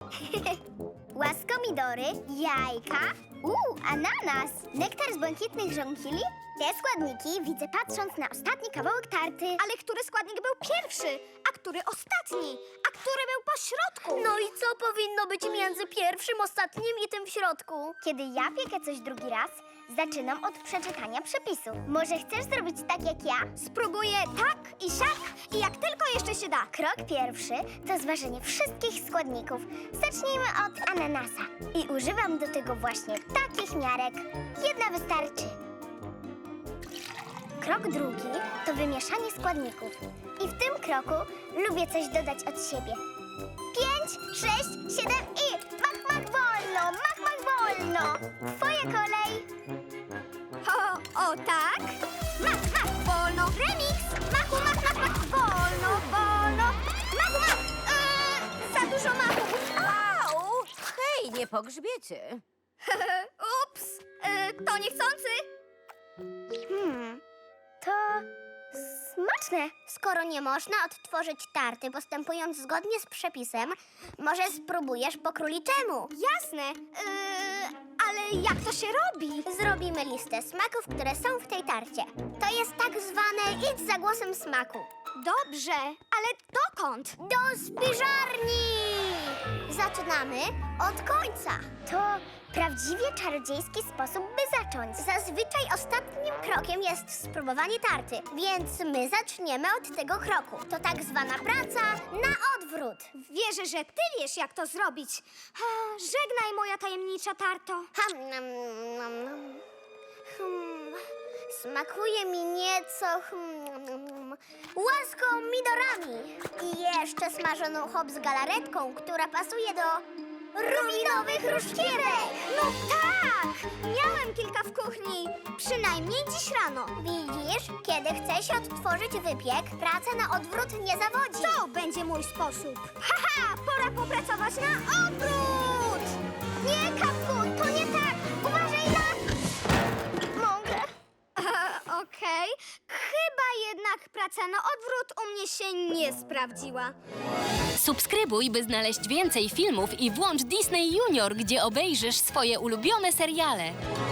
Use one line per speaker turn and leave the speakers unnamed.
Łaskomidory, jajka, ananas, nektar z błękitnych żonkili. Te składniki widzę patrząc na ostatni kawałek tarty.
Ale który składnik był pierwszy, a który ostatni, a który był po środku?
No i co powinno być między pierwszym, ostatnim i tym w środku? Kiedy ja piekę coś drugi raz, zaczynam od przeczytania przepisu. Może chcesz zrobić tak jak ja?
Spróbuję tak i siak i jak tylko jeszcze się da.
Krok pierwszy to zważenie wszystkich składników. Zacznijmy od ananasa. I używam do tego właśnie takich miarek. Jedna wystarczy. Krok drugi to wymieszanie składników. I w tym kroku lubię coś dodać od siebie. 5, 6, 7 i mach wolno, mach wolno. Twoja kolej.
O tak? Mach, wolno. Remix. Machu, mach, wolno. Machu. Za dużo machu.
Au! Hej, nie po grzbiecie.
Ups, to niechcący.
To smaczne.
Skoro nie można odtworzyć tarty postępując zgodnie z przepisem, może spróbujesz po króliczemu. Jasne, ale jak to się robi? Zrobimy listę smaków, które są w tej tarcie. To jest tak zwane idź za głosem smaku. Dobrze, ale dokąd? Do spiżarni! Zaczynamy od końca.
To prawdziwie czarodziejski sposób, by zacząć.
Zazwyczaj ostatnim krokiem jest spróbowanie tarty, więc my zaczniemy od tego kroku. To tak zwana praca na odwrót. Wierzę, że ty wiesz, jak to zrobić. Żegnaj, moja tajemnicza tarto. Smakuje mi nieco łaskomidorami. I jeszcze smażoną hop z galaretką, która pasuje do rubinowych ruszkierek. No tak! Miałem kilka w kuchni, przynajmniej dziś rano. Widzisz, kiedy chce się odtworzyć wypiek, praca na odwrót nie zawodzi. To będzie mój sposób. Haha, pora popracować na obrót! Nie, Kapku, to nie tak! Uważaj na... Mogę. Okej. Chyba jednak praca na odwrót u mnie się nie sprawdziła.
Subskrybuj, by znaleźć więcej filmów i włącz Disney Junior, gdzie obejrzysz swoje ulubione seriale.